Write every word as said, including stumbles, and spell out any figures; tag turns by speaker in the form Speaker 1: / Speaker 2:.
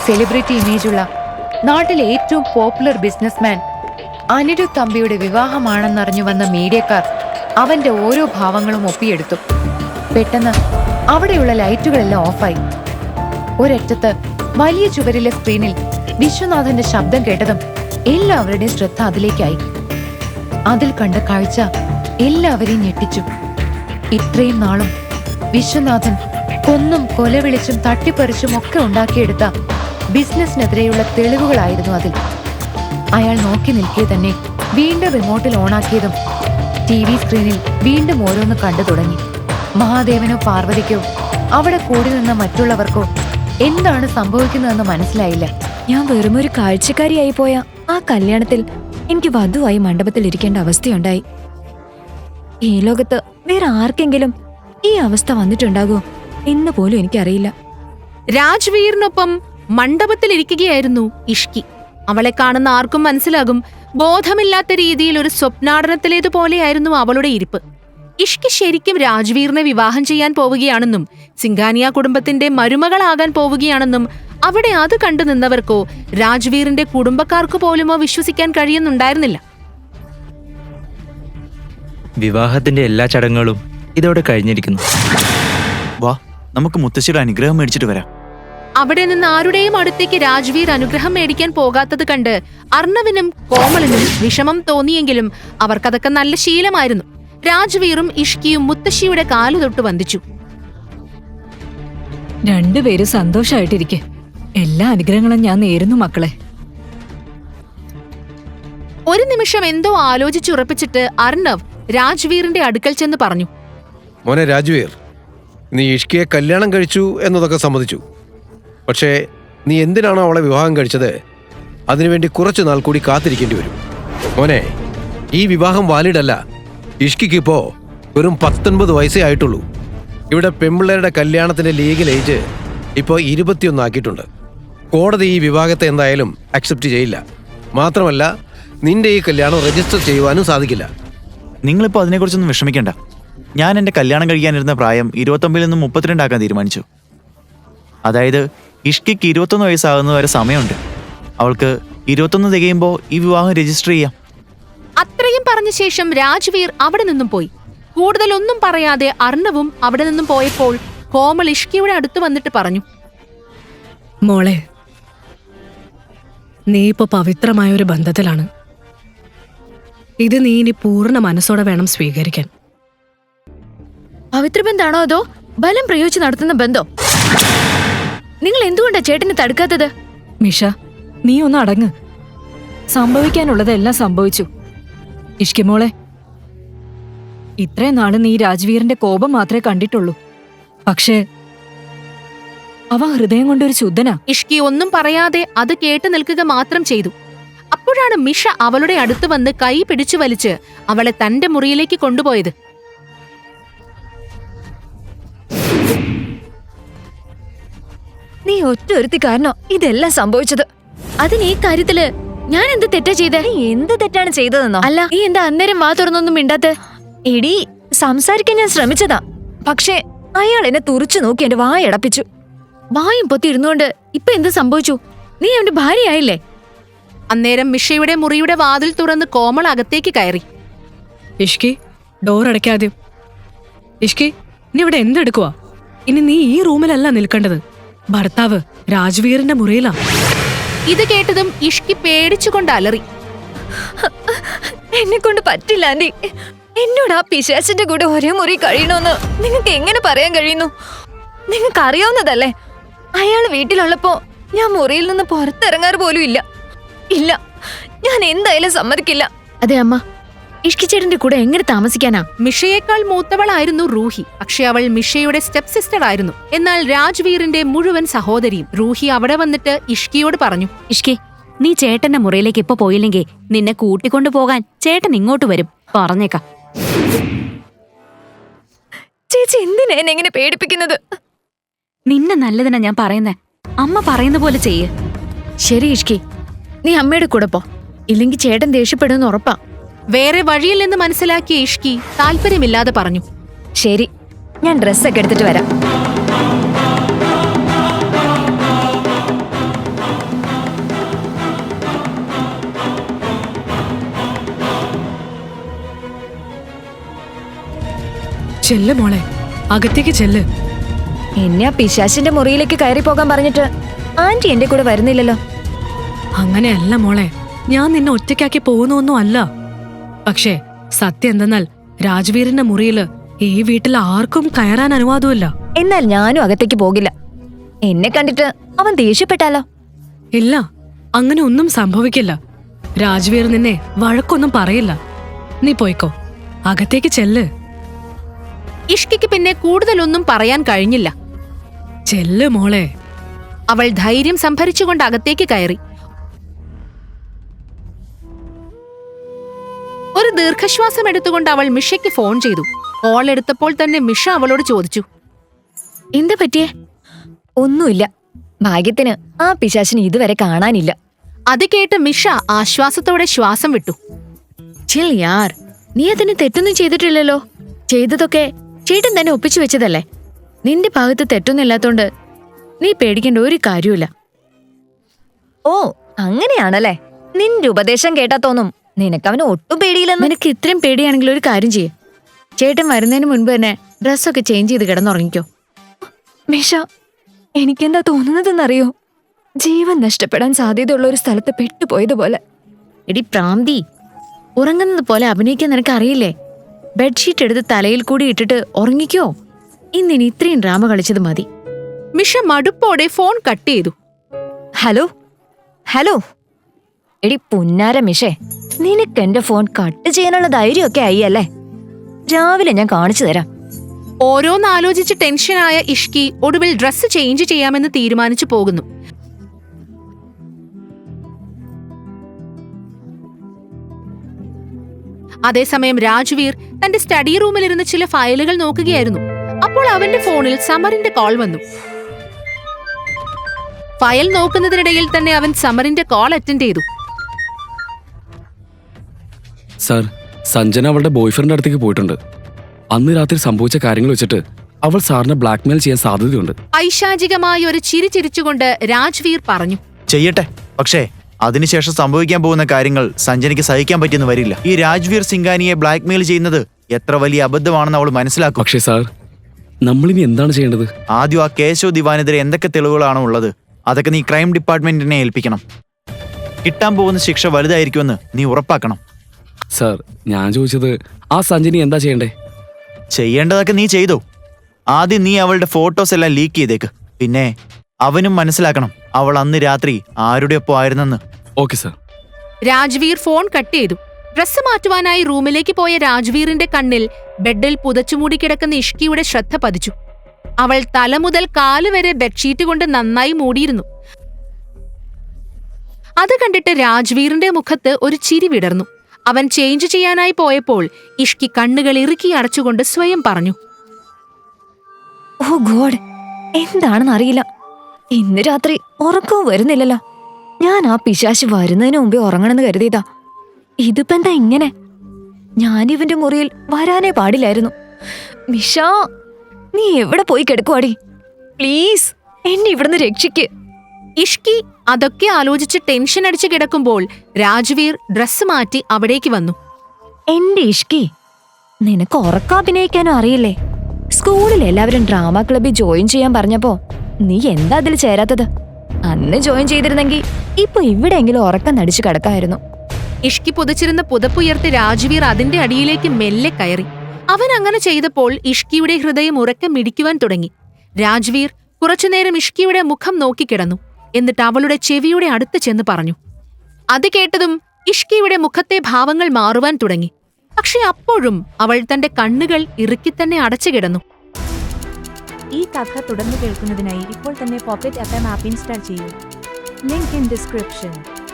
Speaker 1: Celebrity ഇമേജുള്ള നാട്ടിലെ ഏറ്റവും popular businessman Anirudh തമ്പിയുടെ വിവാഹമാണെന്നറിഞ്ഞു വന്ന മീഡിയക്കാർ അവന്റെ ഓരോ ഭാവങ്ങളും ഒപ്പിയെടുത്തു. പെട്ടെന്ന് അവിടെയുള്ള ലൈറ്റുകളെല്ലാം ഓഫായി. ഒരറ്റത്ത് വലിയ ചുവരിലെ സ്ക്രീനിൽ വിശ്വനാഥന്റെ ശബ്ദം കേട്ടതും എല്ലാവരുടെയും ശ്രദ്ധ അതിലേക്കായി. അതിൽ കണ്ട കാഴ്ച എല്ലാവരെയും ഞെട്ടിച്ചു. ഇത്രയും നാളും വിശ്വനാഥൻ കൊന്നും കൊലവിളിച്ചും തട്ടിപ്പറിച്ചും ഒക്കെ ഉണ്ടാക്കിയെടുത്ത ബിസിനസിനെതിരെയുള്ള തെളിവുകളായിരുന്നു അതിൽ. അയാൾ നോക്കി നിൽക്കെ തന്നെ വീണ്ടും റിമോട്ടിൽ ഓണാക്കിയതും ടി വി സ്ക്രീനിൽ വീണ്ടും ഓരോന്ന് കണ്ടു തുടങ്ങി. മഹാദേവനോ പാർവതിക്കോ അവിടെ കൂടി നിന്ന മറ്റുള്ളവർക്കോ എന്താണ് സംഭവിക്കുന്നതെന്ന് മനസ്സിലായില്ല.
Speaker 2: ഞാൻ വെറുമൊരു കാഴ്ചക്കാരിയായി പോയ ആ കല്യാണത്തിൽ എനിക്ക് വധുവായി മണ്ഡപത്തിൽ ഇരിക്കേണ്ട അവസ്ഥയുണ്ടായി. ഈ ലോകത്ത് വേറെ ആർക്കെങ്കിലും ഈ അവസ്ഥ വന്നിട്ടുണ്ടാകുമോ എന്ന് പോലും എനിക്കറിയില്ല.
Speaker 3: രാജ്വീറിനൊപ്പം മണ്ഡപത്തിലിരിക്കുകയായിരുന്നു ഇഷ്കി. അവളെ കാണുന്ന ആർക്കും മനസ്സിലാകും, ബോധമില്ലാത്ത രീതിയിൽ ഒരു സ്വപ്നാടനത്തിലേതുപോലെയായിരുന്നു അവളുടെ ഇരിപ്പ്. ഇഷ്കി ശരിക്കും രാജ്വീറിനെ വിവാഹം ചെയ്യാൻ പോവുകയാണെന്നും സിംഘാനിയ കുടുംബത്തിന്റെ മരുമകളാകാൻ പോവുകയാണെന്നും അവിടെ അത് കണ്ടു നിന്നവർക്കോ രാജ്വീറിന്റെ കുടുംബക്കാർക്കു പോലുമോ വിശ്വസിക്കാൻ കഴിയുന്നുണ്ടായിരുന്നില്ല.
Speaker 4: വിവാഹത്തിന്റെ എല്ലാ ചടങ്ങുകളും ഇതോടെ കഴിഞ്ഞിരിക്കുന്നു.
Speaker 5: വാ, നമുക്ക് മുത്തശ്ശിയുടെ അനുഗ്രഹം മേടിച്ചിട്ട് വരാം.
Speaker 3: അവിടെ നിന്ന് ആരുടെയും അടുത്തേക്ക് രാജ്വീർ അനുഗ്രഹം മേടിക്കാൻ പോകാത്തത് കണ്ട് അർണവിനും കോമളിനും വിഷമം തോന്നിയെങ്കിലും അവർക്കതൊക്കെ നല്ല ശീലമായിരുന്നു. രാജ്വീറും ഇഷ്കിയും മുത്തശ്ശിയുടെ കാലു തൊട്ട് വന്ദിച്ചു.
Speaker 2: രണ്ടുപേരും സന്തോഷായിട്ടിരിക്കെ. എല്ലാ അനുഗ്രഹങ്ങളും ഞാൻ നേരുന്നു മക്കളെ.
Speaker 3: ഒരു നിമിഷം എന്തോ ആലോചിച്ചുറപ്പിച്ചിട്ട് അർണവ് രാജ്വീറിന്റെ അടുക്കൽ ചെന്ന് പറഞ്ഞു,
Speaker 6: മോനെ രാജ്വീർ, നീ ഇഷ്കിയെ കല്യാണം കഴിച്ചു എന്നതൊക്കെ സമ്മതിച്ചു. പക്ഷേ നീ എന്തിനാണോ അവളെ വിവാഹം കഴിച്ചത്, അതിനുവേണ്ടി കുറച്ചു നാൾ കൂടി കാത്തിരിക്കേണ്ടി വരും. മോനെ, ഈ വിവാഹം വാലിഡ് അല്ല. ഇഷ്കിക്കിപ്പോ വെറും പത്തൊൻപത് വയസ്സേ ആയിട്ടുള്ളൂ. ഇവിടെ പെൺപിള്ളേരുടെ കല്യാണത്തിന്റെ ലീഗൽ ഏജ് ഇപ്പോൾ ഇരുപത്തിയൊന്ന് ആക്കിയിട്ടുണ്ട്. കോടതി ഈ വിവാഹത്തെ എന്തായാലും അക്സെപ്റ്റ് ചെയ്യില്ല. മാത്രമല്ല, നിന്റെ ഈ കല്യാണം രജിസ്റ്റർ ചെയ്യുവാനും സാധിക്കില്ല.
Speaker 5: നിങ്ങളിപ്പോൾ അതിനെക്കുറിച്ചൊന്നും വിഷമിക്കണ്ട. ഞാൻ എൻ്റെ കല്യാണം കഴിക്കാനിരുന്ന പ്രായം ഇരുപത്തൊമ്പതിൽ നിന്നും മുപ്പത്തിരണ്ടാക്കാൻ തീരുമാനിച്ചു. അതായത് ഇഷ്കിക്ക് ഇരുപത്തൊന്ന് വയസ്സാകുന്ന വരെ സമയമുണ്ട്. അവൾക്ക് ഇരുപത്തൊന്ന് തികയുമ്പോൾ ഈ വിവാഹം രജിസ്റ്റർ ചെയ്യാം.
Speaker 3: അത്രയും പറഞ്ഞ ശേഷം രാജ്വീർ അവിടെ നിന്നും പോയി. കൂടുതലൊന്നും പറയാതെ അർണവും അവിടെ നിന്നും പോയപ്പോൾ കോമൾ ഇഷ്കിയുടെ അടുത്ത് വന്നിട്ട് പറഞ്ഞു,
Speaker 7: മോളെ, നീ ഇപ്പൊ പവിത്രമായ ഒരു ബന്ധത്തിലാണ്. ഇത് നീ ഇനി പൂർണ്ണ മനസ്സോടെ വേണം സ്വീകരിക്കാൻ.
Speaker 1: പവിത്ര ബന്ധാണോ അതോ ബലം പ്രയോഗിച്ച് നടത്തുന്ന ബന്ധോ? നിങ്ങൾ എന്തുകൊണ്ടാ ചേട്ടനെ തടുക്കാത്തത്?
Speaker 2: മിഷ, നീ ഒന്ന് അടങ്ങ്. സംഭവിക്കാനുള്ളതെല്ലാം സംഭവിച്ചു. ഇഷ്കി മോളെ, ഇത്രയും നാള് നീ രാജ്വീറിന്റെ കോപം മാത്രമേ കണ്ടിട്ടുള്ളൂ. പക്ഷേ അവ ഹൃദയം കൊണ്ടൊരു ശുദ്ധനാ.
Speaker 3: ഇഷ്കി ഒന്നും പറയാതെ അത് കേട്ടു നിൽക്കുക മാത്രം ചെയ്തു. അപ്പോഴാണ് മിഷ അവളുടെ അടുത്ത് വന്ന് കൈ പിടിച്ചു വലിച്ച് അവളെ തന്റെ മുറിയിലേക്ക് കൊണ്ടുപോയത്.
Speaker 2: നീ ഒറ്റ ഒരുത്തി കാരണോ ഇതെല്ലാം സംഭവിച്ചത്.
Speaker 1: അതിന് ഈ കാര്യത്തില് ഞാൻ എന്ത് തെറ്റാ ചെയ്തേ?
Speaker 2: നീ എന്ത് തെറ്റാണ് ചെയ്തതെന്നോ?
Speaker 1: അല്ല, നീ എന്താ അന്നേരം വാ തുറന്നൊന്നും മിണ്ടാത്തെ?
Speaker 2: എടി, സംസാരിക്കാൻ ഞാൻ ശ്രമിച്ചതാ. പക്ഷേ അയാൾ എന്നെ തുറച്ചു നോക്കി എന്റെ വായടപ്പിച്ചു.
Speaker 1: വായും പൊത്തി ഇരുന്നുകൊണ്ട് ഇപ്പൊ എന്ത് സംഭവിച്ചു? നീ അവന്റെ ഭാര്യയായില്ലേ?
Speaker 3: അന്നേരം മിഷയുടെ മുറിയുടെ വാതിൽ തുറന്ന് കോമൾ അകത്തേക്ക് കയറി.
Speaker 7: ഇഷ്കി, ഡോർ അടയ്ക്കാതെ. ഇഷ്കി, നീ ഇവിടെ എന്തെടുക്കുവാ? ഇനി നീ ഈ റൂമിലല്ല നിൽക്കേണ്ടത്. ഭർത്താവ് രാജ്വീറിന്റെ മുറിയിലാ.
Speaker 3: ഇത് കേട്ടതും ഇഷ്കി പേടിച്ചുകൊണ്ട് അലറി.
Speaker 2: എന്നെ കൊണ്ട് പറ്റില്ല ആന്റി. എന്നോട് ആ പിശാചിന്റെ കൂടെ ഒരേ മുറി കഴിയണമെന്ന് നിങ്ങൾക്ക് എങ്ങനെ പറയാൻ കഴിയുന്നു? നിങ്ങൾക്ക് അറിയാവുന്നതല്ലേ, അയാൾ വീട്ടിലുള്ളപ്പോ ഞാൻ മുറിയിൽ നിന്ന് പുറത്തിറങ്ങാറ് പോലും ഇല്ല. ഇല്ല, ഞാൻ എന്തായാലും സമ്മതിക്കില്ല.
Speaker 1: അതെ അമ്മ, ഇഷ്കിച്ചേട്ടന്റെ കൂടെ എങ്ങനെ താമസിക്കാനാ?
Speaker 3: മിഷയേക്കാൾ മൂത്തവളായിരുന്നു റൂഹി. പക്ഷെ അവൾ മിഷയുടെ സ്റ്റെപ്പ് സിസ്റ്റർ ആയിരുന്നു. എന്നാൽ രാജ്വീറിന്റെ മുഴുവൻ സഹോദരിയും. റൂഹി അവിടെ വന്നിട്ട് ഇഷ്കിയോട് പറഞ്ഞു,
Speaker 8: ഇഷ്കി, നീ ചേട്ടന്റെ മുറിയിലേക്ക് ഇപ്പൊ പോയില്ലെങ്കിൽ നിന്നെ കൂട്ടിക്കൊണ്ടു പോകാൻ ചേട്ടൻ ഇങ്ങോട്ട് വരും. പറഞ്ഞേക്കാം.
Speaker 2: ചേച്ചി എന്തിനാ എന്നെ എങ്ങനെ പേടിപ്പിക്കുന്നത്?
Speaker 8: നിന്നെ നല്ലതിനാ ഞാൻ പറയുന്നേ. അമ്മ പറയുന്ന പോലെ ചെയ്യ്.
Speaker 1: ശരി ഇഷ്കി, നീ അമ്മയുടെ കൂടെ പോ. ഇല്ലെങ്കിൽ ചേട്ടൻ ദേഷ്യപ്പെടുമെന്ന് ഉറപ്പാ.
Speaker 3: വേറെ വഴിയില്ലെന്ന് മനസ്സിലാക്കിയ ഇഷ്കി താല്പര്യമില്ലാതെ പറഞ്ഞു,
Speaker 2: ശരി, ഞാൻ ഡ്രസ്സൊക്കെ എടുത്തിട്ട് വരാം.
Speaker 7: ചെല്ല് മോളെ, അകത്തേക്ക് ചെല്ല്.
Speaker 2: എന്നെ ആ പിശാശിന്റെ മുറിയിലേക്ക് കയറി പോകാൻ പറഞ്ഞിട്ട് ആന്റി എന്റെ കൂടെ വരുന്നില്ലല്ലോ.
Speaker 7: അങ്ങനെയല്ല മോളെ, ഞാൻ നിന്നെ ഒറ്റയ്ക്കാക്കി പോകുന്നൊന്നും അല്ല. പക്ഷേ സത്യം എന്തെന്നാൽ രാജ്വീറിന്റെ മുറിയില് ഈ വീട്ടിൽ ആർക്കും കയറാൻ അനുവാദമില്ല.
Speaker 2: എന്നാൽ ഞാനും അകത്തേക്ക് പോകില്ല. എന്നെ കണ്ടിട്ട് അവൻ ദേഷ്യപ്പെട്ടാലോ?
Speaker 7: ഇല്ല, അങ്ങനെ ഒന്നും സംഭവിക്കില്ല. രാജ്വീർ നിന്നെ വഴക്കൊന്നും പറയില്ല. നീ പോയിക്കോ, അകത്തേക്ക് ചെല്ല്.
Speaker 3: ഇഷ്കിക്ക് പിന്നെ കൂടുതലൊന്നും പറയാൻ കഴിഞ്ഞില്ല.
Speaker 7: ചെല്ല് മോളെ.
Speaker 3: അവൾ ധൈര്യം സംഭരിച്ചുകൊണ്ട് അകത്തേക്ക് കയറി. ഒരു ദീർഘശ്വാസം എടുത്തുകൊണ്ട് അവൾ മിഷയ്ക്ക് ഫോൺ ചെയ്തു. കോൾ എടുത്തപ്പോൾ തന്നെ മിഷ അവളോട് ചോദിച്ചു,
Speaker 1: എന്താ പറ്റിയേ?
Speaker 2: ഒന്നുമില്ല. ഭാഗ്യത്തിന് ആ പിശാചിനെ ഇതുവരെ കാണാനില്ല.
Speaker 3: അത് കേട്ട് മിഷ ആശ്വാസത്തോടെ ശ്വാസം വിട്ടു.
Speaker 1: ചിൽ യാർ, നീ അതിന് തെറ്റൊന്നും ചെയ്തിട്ടില്ലല്ലോ. ചെയ്തതൊക്കെ ചേട്ടൻ തന്നെ ഒപ്പിച്ചു വെച്ചതല്ലേ. നിന്റെ ഭാഗത്ത് തെറ്റൊന്നും ഇല്ലാത്തോണ്ട് നീ പേടിക്കേണ്ട ഒരു കാര്യമില്ല.
Speaker 2: ഓ, അങ്ങനെയാണല്ലേ. നിന്റെ ഉപദേശം കേട്ടാ തോന്നും നിനക്കവന് ഒട്ടും പേടിയില്ലെന്ന്.
Speaker 1: നിനക്ക് ഇത്രയും പേടിയാണെങ്കിൽ ഒരു കാര്യം ചെയ്യേ, ചേട്ടൻ വരുന്നതിന് മുൻപ് തന്നെ ഡ്രസ്സൊക്കെ ചേഞ്ച് ചെയ്ത് കിടന്നുറങ്ങിക്കോ.
Speaker 2: മിഷ, എനിക്കെന്താ തോന്നുന്നതെന്നറിയോ? ജീവൻ നഷ്ടപ്പെടാൻ സാധ്യതയുള്ള ഒരു സ്ഥലത്ത് പെട്ടുപോയതുപോലെ.
Speaker 1: എടി പ്രാന്തി, ഉറങ്ങുന്നത് പോലെ അഭിനയിക്കാൻ നിനക്ക് അറിയില്ലേ? ബെഡ്ഷീറ്റ് എടുത്ത് തലയിൽ കൂടി ഇട്ടിട്ട് ഉറങ്ങിക്കോ. ഇന്നിനി ഇത്രയും ഡ്രാമ കളിച്ചത് മതി.
Speaker 3: മിഷ മടുപ്പോടെ ഫോൺ കട്ട് ചെയ്തു.
Speaker 2: ഹലോ ഹലോ എടി പുന്നാര മിഷേ, നിനക്ക് എന്റെ ഫോൺ കട്ട് ചെയ്യാനുള്ള ധൈര്യമൊക്കെ ആയി അല്ലേ? രാവിലെ ഞാൻ കാണിച്ചു തരാം.
Speaker 3: ഓരോന്നാലോചിച്ച് ടെൻഷനായ ഇഷ്കി ഒടുവിൽ ഡ്രസ്സ് ചേഞ്ച് ചെയ്യാമെന്ന് തീരുമാനിച്ചു പോകുന്നു. അതേസമയം രാജ്വീർ തന്റെ സ്റ്റഡി റൂമിലിരുന്ന് ചില ഫയലുകൾ നോക്കുകയായിരുന്നു. അപ്പോൾ അവന്റെ ഫോണിൽ സമറിന്റെ കോൾ വന്നു. ഫയൽ നോക്കുന്നതിനിടയിൽ തന്നെ അവൻ സമറിന്റെ കോൾ അറ്റൻഡ് ചെയ്തു.
Speaker 9: സാർ, സഞ്ജന അവളുടെ ബോയ്ഫ്രണ്ട് അടുത്തേക്ക് പോയിട്ടുണ്ട്. അന്ന് രാത്രി സംഭവിച്ച കാര്യങ്ങൾ വെച്ചിട്ട് അവൾ സാറിനെ ബ്ലാക്ക്മെയിൽ ചെയ്യാൻ സാധ്യതയുണ്ട്.
Speaker 3: ഐശാചികമായ ഒരു ചിരി ചിരിച്ചുകൊണ്ട് രാജ്വീർ പറഞ്ഞു.
Speaker 5: ചെയ്യട്ടെ, പക്ഷേ അതിനുശേഷം സംഭവിക്കാൻ പോകുന്ന കാര്യങ്ങൾ സഞ്ജനയ്ക്ക് സഹിക്കാൻ പറ്റിയെന്ന് വരില്ല. ഈ രാജ്വീർ സിംഗാനിയെ ബ്ലാക്ക്മെയിൽ ചെയ്യുന്നത് എത്ര വലിയ അബദ്ധമാണെന്ന് അവൾ മനസ്സിലാക്കും.
Speaker 9: പക്ഷേ സാർ, നമ്മളിനി എന്താണ് ചെയ്യേണ്ടത്?
Speaker 5: ആദ്യം ആ കേശവ് ദിവാനെതിരെ എന്തൊക്കെ തെളിവുകളാണോ ഉള്ളത് അതൊക്കെ നീ ക്രൈം ഡിപ്പാർട്ട്മെന്റിനെ ഏൽപ്പിക്കണം. കിട്ടാൻ പോകുന്ന ശിക്ഷ വലുതായിരിക്കുമെന്ന് നീ ഉറപ്പാക്കണം.
Speaker 9: സാർ, ഞാൻ ചോദിച്ചത് ആ സഞ്ജനി എന്താ ചെയ്യണ്ടേ?
Speaker 5: ചെയ്യേണ്ടതൊക്കെ നീ ചെയ്തോ. ആദ്യം നീ അവളുടെ ഫോട്ടോസ് എല്ലാം ലീക്ക് ചെയ്തേക്ക്. പിന്നെ അവനും മനസ്സിലാക്കണം അവൾ അന്ന് രാത്രി ആരുടെ ഒപ്പം ആയിരുന്നെന്ന്.
Speaker 9: Okay sir.
Speaker 3: Rajveer phone cut ചെയ്തു. ഡ്രസ്സ് മാറ്റുവാനായി റൂമിലേക്ക് പോയ രാജ്വീറിന്റെ കണ്ണിൽ ബെഡിൽ പുതച്ചുമൂടി കിടക്കുന്ന ഇഷ്കിയുടെ ശ്രദ്ധ പതിച്ചു. അവൾ തല മുതൽ കാലുവരെ ബെഡ്ഷീറ്റ് കൊണ്ട് നന്നായി മൂടിയിരുന്നു. അത് കണ്ടിട്ട് രാജ്വീറിന്റെ മുഖത്ത് ഒരു ചിരി വിടർന്നു. അവൻ ചേഞ്ച് ചെയ്യാനായി പോയപ്പോൾ ഇഷ്കി കണ്ണുകൾ ഇറുക്കി അടച്ചുകൊണ്ട് സ്വയം പറഞ്ഞു,
Speaker 2: ഓ ഗോഡ്, എന്താണെന്ന് അറിയില്ല. ഇന്ന് രാത്രി ഉറക്കവും വരുന്നില്ലല്ലോ. ഞാൻ ആ പിശാശ് വരുന്നതിന് മുമ്പേ ഉറങ്ങണമെന്ന് കരുതിയതാ. ഇതിപ്പോ എന്താ ഇങ്ങനെ? ഞാനിവന്റെ മുറിയിൽ വരാനേ പാടില്ലായിരുന്നു. മിഷ, നീ എവിടെ പോയി കിടക്കുവാടി? പ്ലീസ് എന്നെ ഇവിടുന്ന് രക്ഷിക്ക്.
Speaker 3: ഇഷ്കി അതൊക്കെ ആലോചിച്ച് ടെൻഷൻ അടിച്ചു കിടക്കുമ്പോൾ രാജ്വീർ ഡ്രസ്സ് മാറ്റി അവിടേക്ക് വന്നു.
Speaker 2: എന്റെ ഇഷ്കി, നിനക്ക് ഉറക്കാഭിനയിക്കാനും അറിയില്ലേ? സ്കൂളിൽ എല്ലാവരും ഡ്രാമ ക്ലബിൽ ജോയിൻ ചെയ്യാൻ പറഞ്ഞപ്പോ നീ എന്താ അതിൽ ചേരാത്തത്? അന്ന് ജോയിൻ ചെയ്തിരുന്നെങ്കിൽ ഇപ്പൊ ഇവിടെയെങ്കിലും ഉറക്കം നടിച്ചു കിടക്കായിരുന്നു.
Speaker 3: ഇഷ്കി പുതച്ചിരുന്ന പുതപ്പുയർത്തി രാജ്വീർ അതിന്റെ അടിയിലേക്ക് മെല്ലെ കയറി. അവൻ അങ്ങനെ ചെയ്തപ്പോൾ ഇഷ്കിയുടെ ഹൃദയം ഉറക്കം മിടിക്കുവാൻ തുടങ്ങി. രാജ്വീർ കുറച്ചുനേരം ഇഷ്കിയുടെ മുഖം നോക്കിക്കിടന്നു. എന്നിട്ട് അവളുടെ ചെവിയുടെ അടുത്ത് ചെന്ന് പറഞ്ഞു. അത് കേട്ടതും ഇഷ്കിയുടെ മുഖത്തെ ഭാവങ്ങൾ മാറുവാൻ തുടങ്ങി. പക്ഷെ അപ്പോഴും അവൾ തന്റെ കണ്ണുകൾ ഇറുക്കിത്തന്നെ അടച്ചു കിടന്നു.
Speaker 10: ഈ കഥ തുടർന്ന് കേൾക്കുന്നതിനായി ഇപ്പോൾ തന്നെ പോക്കറ്റ് എഫ് എം ആപ്പ് ഇൻസ്റ്റാൾ ചെയ്യൂ. Link in description.